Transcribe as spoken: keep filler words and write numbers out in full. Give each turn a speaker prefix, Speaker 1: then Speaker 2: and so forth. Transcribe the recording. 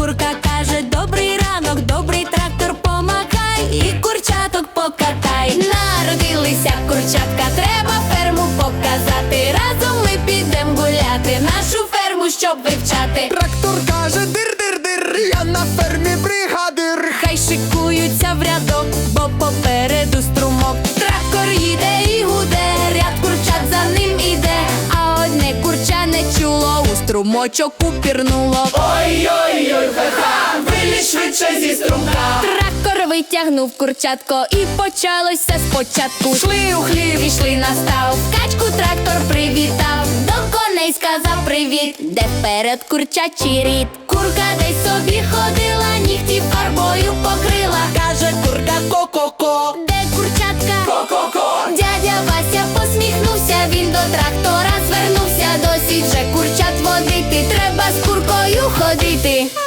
Speaker 1: Курка каже: добрий ранок, добрий трактор, помагай і курчаток покатай. Народилися курчатка, треба ферму показати. Разом ми підем гуляти, нашу ферму, щоб вивчати.
Speaker 2: Трактор каже: дир-дир-дир, я на фермі бригадир.
Speaker 1: Хай шикуються в рядок, бо попереду струмок. Трактор їде і гуде, ряд курчат за ним іде. А одне курча не чуло, у струмочок упірнуло.
Speaker 2: Ой-ой-ой, ха-ха, вилізь швидше зі струмка.
Speaker 1: Трактор витягнув курчатко, і почалося спочатку.
Speaker 2: Шли у хлів,
Speaker 1: Пішли на став, качку трактор привітав. До коней сказав привіт, де вперед курчачий рід. Курка десь собі ходила, нігті фарбою покрила.
Speaker 2: каже курка ко-ко-ко,
Speaker 1: Де курчатка?
Speaker 2: ко-ко-ко.
Speaker 1: Дядя Вася посміхнувся, він до трактора звернувся. Досить же курчат водити, треба з куркою ходити.